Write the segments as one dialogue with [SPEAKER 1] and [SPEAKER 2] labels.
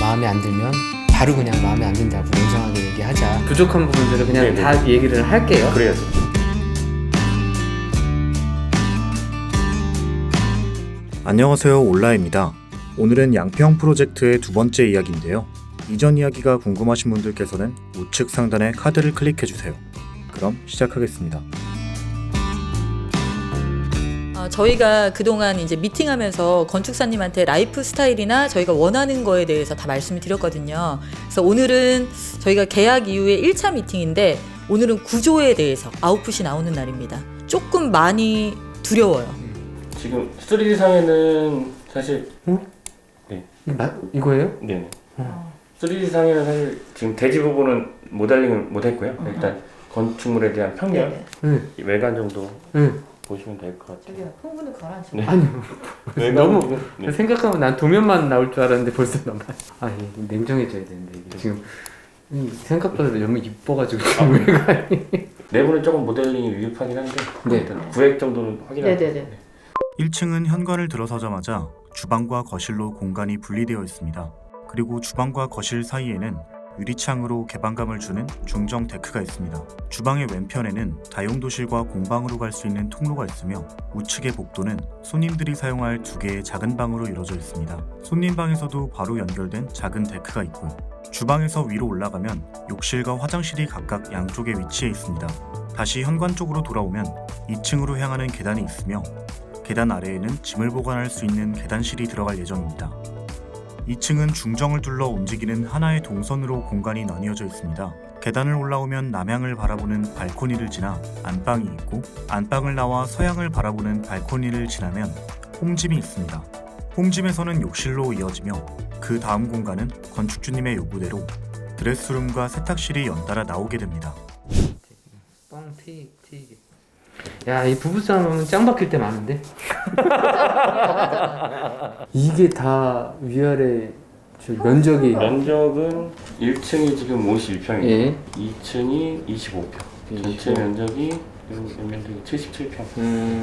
[SPEAKER 1] 마음에 안 들면 바로 그냥 마음에 안 든다고 냉정하게 얘기하자.
[SPEAKER 2] 부족한 부분들을 그냥 다 얘기를 할게요.
[SPEAKER 3] 그래야죠.
[SPEAKER 4] 안녕하세요, 올라입니다. 오늘은 양평 프로젝트의 두 번째 이야기인데요. 이전 이야기가 궁금하신 분들께서는 우측 상단의 카드를 클릭해주세요. 그럼 시작하겠습니다.
[SPEAKER 5] 저희가 그동안 이제 미팅하면서 건축사님한테 라이프 스타일이나 저희가 원하는 거에 대해서 다 말씀을 드렸거든요. 그래서 오늘은 저희가 계약 이후에 1차 미팅인데 오늘은 구조에 대해서 아웃풋이 나오는 날입니다. 조금 많이 두려워요.
[SPEAKER 3] 지금 3D상에는 사실
[SPEAKER 2] 이거예요?
[SPEAKER 3] 네네. 3D상에는 사실 지금 대지 부분은 모델링을 못했고요. 일단 건축물에 대한 평면, 외관 정도 보시면 될 것 같아요.
[SPEAKER 5] 저기요, 흥분을 가라앉혀.
[SPEAKER 3] 네.
[SPEAKER 2] 아니 너무 생각하면 난 도면만 나올 줄 알았는데 벌써 너무 냉정해져야 되는데 이게 지금 생각보다 너무 이뻐가지고 외관이.
[SPEAKER 3] 내부는 조금 모델링이 미흡하긴 한데 일단 구획 정도는 확인하고.
[SPEAKER 5] 네네네.
[SPEAKER 4] 1층은 현관을 들어서자마자 주방과 거실로 공간이 분리되어 있습니다. 그리고 주방과 거실 사이에는 유리창으로 개방감을 주는 중정 데크가 있습니다. 주방의 왼편에는 다용도실과 공방으로 갈 수 있는 통로가 있으며 우측의 복도는 손님들이 사용할 두 개의 작은 방으로 이루어져 있습니다. 손님방에서도 바로 연결된 작은 데크가 있고요. 주방에서 위로 올라가면 욕실과 화장실이 각각 양쪽에 위치해 있습니다. 다시 현관 쪽으로 돌아오면 2층으로 향하는 계단이 있으며 계단 아래에는 짐을 보관할 수 있는 계단실이 들어갈 예정입니다. 2층은 중정을 둘러 움직이는 하나의 동선으로 공간이 나뉘어져 있습니다. 계단을 올라오면 남향을 바라보는 발코니를 지나 안방이 있고 안방을 나와 서향을 바라보는 발코니를 지나면 홈짐이 있습니다. 홈짐에서는 욕실로 이어지며 그 다음 공간은 건축주님의 요구대로 드레스룸과 세탁실이 연달아 나오게 됩니다.
[SPEAKER 2] 뻥튀기. 야, 이 부부싸움은 짱 박힐 때 많은데? 이게 다 위아래 면적은
[SPEAKER 3] 1층이 지금 51평이고
[SPEAKER 2] 예.
[SPEAKER 3] 2층이 25평. 전체 면적이 면적이 77평.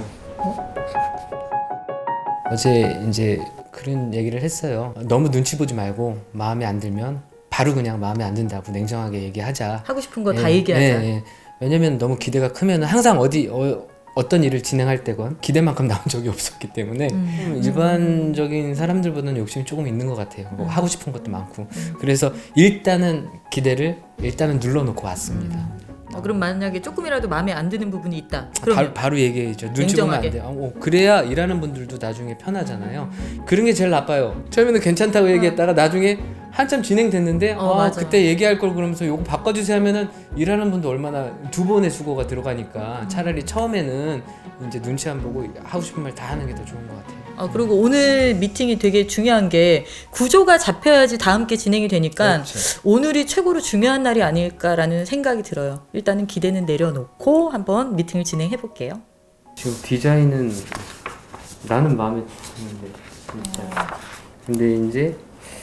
[SPEAKER 1] 어제 이제 그런 얘기를 했어요. 너무 눈치 보지 말고 마음에 안 들면 바로 그냥 마음에 안 든다고 냉정하게 얘기하자.
[SPEAKER 5] 하고 싶은 거 다 얘기하자.
[SPEAKER 1] 왜냐면 너무 기대가 크면 항상 어떤 일을 진행할 때건 기대만큼 나온 적이 없었기 때문에 일반적인 사람들보다는 욕심이 조금 있는 것 같아요. 뭐 하고 싶은 것도 많고. 그래서 일단은 기대를 눌러놓고 왔습니다.
[SPEAKER 5] 그럼 만약에 조금이라도 마음에 안 드는 부분이 있다. 그러면
[SPEAKER 1] 바로 얘기해야죠. 눈치 보면 안 돼. 그래야 일하는 분들도 나중에 편하잖아요. 그런 게 제일 나빠요. 처음에는 괜찮다고 얘기했다가 나중에 한참 진행됐는데 그때 얘기할 걸 그러면서 요거 바꿔주세요 하면은 일하는 분도 얼마나 두 번의 수고가 들어가니까 차라리 처음에는 이제 눈치 안 보고 하고 싶은 말 다 하는 게 더 좋은 것 같아요.
[SPEAKER 5] 그리고 오늘 미팅이 되게 중요한 게 구조가 잡혀야지 다음 게 진행이 되니까
[SPEAKER 1] 그렇죠.
[SPEAKER 5] 오늘이 최고로 중요한 날이 아닐까라는 생각이 들어요. 일단은 기대는 내려놓고 한번 미팅을 진행해 볼게요.
[SPEAKER 2] 지금 디자인은 나는 마음에 드는데 진짜. 근데 이제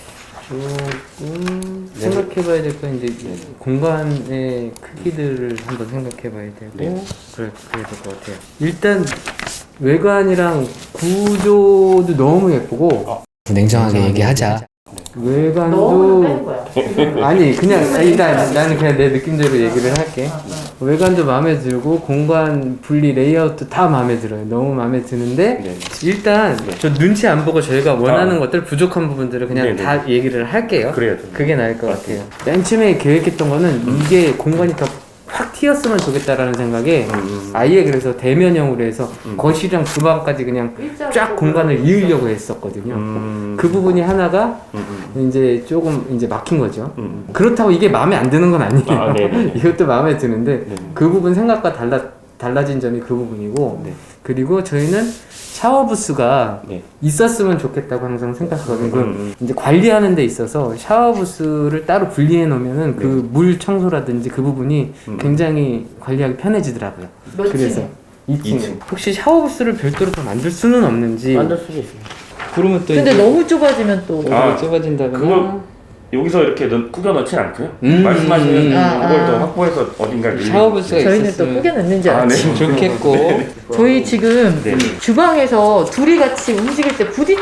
[SPEAKER 2] 조금 생각해봐야 될 건 이제 공간의 크기들을 한번 생각해봐야 되고 그래야 될 것 같아요. 일단 외관이랑 구조도 너무 예쁘고
[SPEAKER 1] 냉정하게 얘기하자.
[SPEAKER 2] 외관도 아니 그냥 일단 나는 그냥 내 느낌대로 얘기를 할게. 외관도 마음에 들고 공간 분리 레이아웃도 다 마음에 들어요. 너무 마음에 드는데 일단 저 눈치 안 보고 저희가 원하는 것들 부족한 부분들을 그냥 다 얘기를 할게요.
[SPEAKER 3] 그래야죠.
[SPEAKER 2] 그게 나을 것 같아요. 맨 처음에 계획했던 거는 이게 공간이 더 확 튀었으면 좋겠다라는 생각에 아예 그래서 대면형으로 해서 거실이랑 주방까지 그냥 쫙 공간을 이으려고 했었거든요. 그 부분이 하나가 이제 조금 이제 막힌 거죠. 그렇다고 이게 마음에 안 드는 건 아니에요. 이것도 마음에 드는데 그 부분 생각과 달라진 점이 그 부분이고 그리고 저희는 샤워 부스가 있었으면 좋겠다고 항상 생각하거든요. 이제 관리하는 데 있어서 샤워 부스를 따로 분리해 놓으면은 그 물 청소라든지 그 부분이 굉장히 관리하기 편해지더라고요. 그래서 2층. 혹시 샤워 부스를 별도로 더 만들 수는 없는지.
[SPEAKER 3] 만들 수도 있습니다.
[SPEAKER 2] 그러면 또
[SPEAKER 5] 근데 너무 좁아지면 또
[SPEAKER 2] 좁아진다거나.
[SPEAKER 3] 그걸 여기서 이렇게 꾸겨 넣진 않고요. 말씀하시는 그걸 더 확보해서 어딘가
[SPEAKER 2] 샤워부스가
[SPEAKER 5] 저희는 또 꾸겨 넣는 줄 알았어요.
[SPEAKER 2] 좋겠고.
[SPEAKER 5] 저희 지금 주방에서 둘이 같이 움직일 때 부딪히는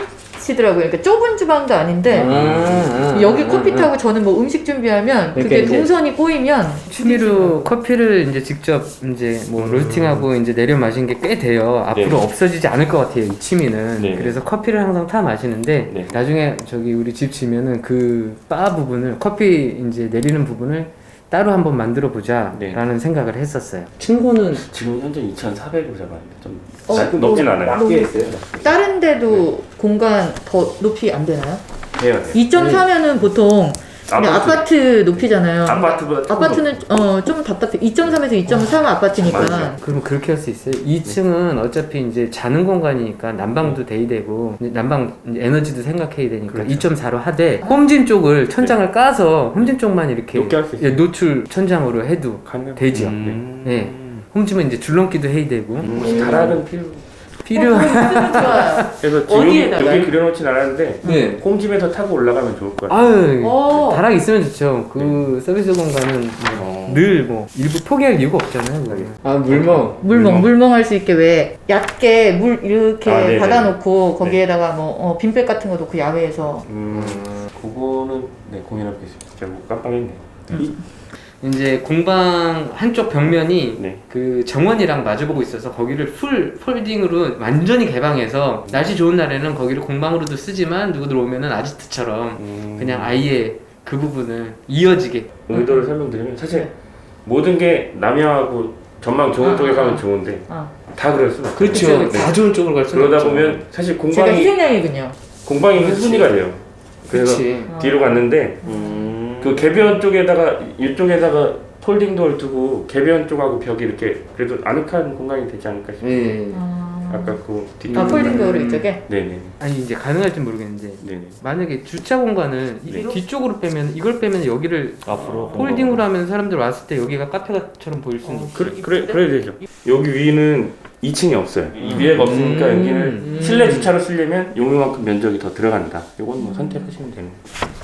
[SPEAKER 5] 치더라고요. 그러니까 좁은 주방도 아닌데 여기 커피 타고 저는 뭐 음식 준비하면 그게
[SPEAKER 2] 그러니까
[SPEAKER 5] 동선이 꼬이면
[SPEAKER 2] 취미로 커피를 이제 직접 이제 뭐 로스팅하고 이제 내려 마신 게 꽤 돼요. 앞으로
[SPEAKER 3] 네.
[SPEAKER 2] 없어지지 않을 것 같아요, 이 취미는.
[SPEAKER 3] 네.
[SPEAKER 2] 그래서 커피를 항상 타 마시는데
[SPEAKER 3] 네.
[SPEAKER 2] 나중에 저기 우리 집 지면은 그 바 부분을 커피 이제 내리는 부분을 따로 한번 만들어 보자라는
[SPEAKER 3] 네.
[SPEAKER 2] 생각을 했었어요. 층고는
[SPEAKER 3] 지금 현재 2,400으로 잡았는데 좀
[SPEAKER 5] 높진
[SPEAKER 3] 높진 않아요.
[SPEAKER 5] 너무 다른 데도 공간 더 높이 안 되나요?
[SPEAKER 3] 돼요.
[SPEAKER 5] 2.4면은 보통 그냥 아파트 높이잖아요.
[SPEAKER 3] 아파트보다 조금
[SPEAKER 5] 아파트는 좀 답답해. 2.3에서 2.3 아파트니까.
[SPEAKER 3] 맞아요.
[SPEAKER 2] 그럼 그렇게 할 수 있어요. 2층은 어차피 이제 자는 공간이니까 난방도 돼야 되고 난방 이제 에너지도 생각해야 되니까
[SPEAKER 3] 그렇죠.
[SPEAKER 2] 2.4로 하되 홈진 쪽을 천장을 까서 홈진 쪽만 이렇게
[SPEAKER 3] 높게 할수 있어요.
[SPEAKER 2] 노출 천장으로 해도
[SPEAKER 3] 가능.
[SPEAKER 2] 되죠. 네. 홈진은 이제 줄넘기도 해야 되고
[SPEAKER 3] 혹시 다락은
[SPEAKER 2] 필요한
[SPEAKER 5] 좋아요.
[SPEAKER 3] 그래서 지금
[SPEAKER 5] 어디에다가요?
[SPEAKER 3] 여기 그려놓진 않았는데
[SPEAKER 2] 네.
[SPEAKER 3] 홈집에서 타고 올라가면 좋을 것 같아요.
[SPEAKER 2] 아유
[SPEAKER 5] 오.
[SPEAKER 2] 다락 있으면 좋죠. 그 서비스 공간은 늘 뭐 일부 포기할 이유가 없잖아요. 아
[SPEAKER 5] 물멍할 수 있게 왜 얕게 물 이렇게
[SPEAKER 3] 네네.
[SPEAKER 5] 받아놓고 거기에다가 뭐 빈백 같은 거 놓고 야외에서
[SPEAKER 3] 그거는 네 고민해 보겠습니다. 제가 뭐 깜빡했네.
[SPEAKER 2] 이제 공방 한쪽 벽면이
[SPEAKER 3] 네.
[SPEAKER 2] 그 정원이랑 마주보고 있어서 거기를 풀 폴딩으로 완전히 개방해서 날씨 좋은 날에는 거기를 공방으로도 쓰지만 누구들 오면은 아지트처럼 그냥 아예 그 부분을 이어지게
[SPEAKER 3] 의도를 설명드리면 사실 모든 게 남향하고 전망 좋은 쪽에 가면 좋은데 다 그럴 수는 없어요.
[SPEAKER 2] 그렇죠. 다 좋은 쪽으로 갈 수는
[SPEAKER 3] 그러다
[SPEAKER 2] 없죠.
[SPEAKER 3] 보면 사실
[SPEAKER 5] 제가
[SPEAKER 3] 공방이
[SPEAKER 5] 희생양이군요.
[SPEAKER 3] 흥분이가 돼요. 그래서
[SPEAKER 2] 그치.
[SPEAKER 3] 뒤로 갔는데 그 개변 쪽에다가 이쪽에다가 폴딩도어를 두고 개변 쪽하고 벽이 이렇게 그래도 아늑한 공간이 되지 않을까 싶어요.
[SPEAKER 2] 네.
[SPEAKER 3] 아까 그
[SPEAKER 5] 폴딩 도어로 이쪽에?
[SPEAKER 3] 네네.
[SPEAKER 2] 아니 이제 가능할지 모르겠는데
[SPEAKER 3] 네네.
[SPEAKER 2] 만약에 주차 공간을 이
[SPEAKER 3] 네.
[SPEAKER 2] 뒤쪽으로 빼면 이걸 빼면 여기를
[SPEAKER 3] 앞으로
[SPEAKER 2] 폴딩으로 하면 사람들 왔을 때 여기가 카페처럼 보일 수는 있죠.
[SPEAKER 3] 그래야 되죠. 여기 위는 2층이 없어요. 이 위에가 없으니까 여기는 실내 주차로 쓰려면 용이만큼 면적이 더 들어간다. 이건 뭐 선택하시면 되는 거예요.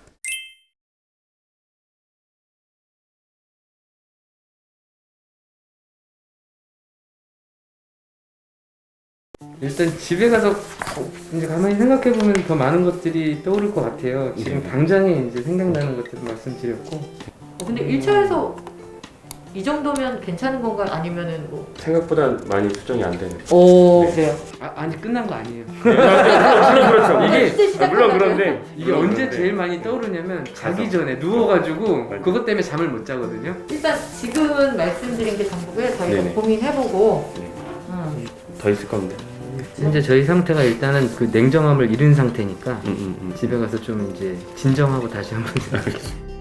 [SPEAKER 2] 일단 집에 가서 이제 가만히 생각해 보면 더 많은 것들이 떠오를 것 같아요. 지금 당장에 이제 생각나는 것들을 말씀드렸고.
[SPEAKER 5] 근데 1차에서 이 정도면 괜찮은 건가요? 아니면은 뭐?
[SPEAKER 3] 생각보다 많이 수정이 안 되는.
[SPEAKER 5] 오 그래요.
[SPEAKER 2] 아니 끝난 거 아니에요.
[SPEAKER 3] 물론 그렇죠.
[SPEAKER 5] 이게
[SPEAKER 3] 물론 그런데
[SPEAKER 2] 이게 언제 제일 많이 떠오르냐면 자기 전에 누워가지고 그것 때문에 잠을 못 자거든요.
[SPEAKER 5] 일단 지금은 말씀드린 게 전부고요. 저희가
[SPEAKER 3] 네네.
[SPEAKER 5] 고민해보고.
[SPEAKER 3] 네. 더 있을 겁니다.
[SPEAKER 2] 현재 저희 상태가 일단은 그 냉정함을 잃은 상태니까
[SPEAKER 3] 음.
[SPEAKER 2] 집에 가서 좀 이제 진정하고 다시 한번 생각해볼게요.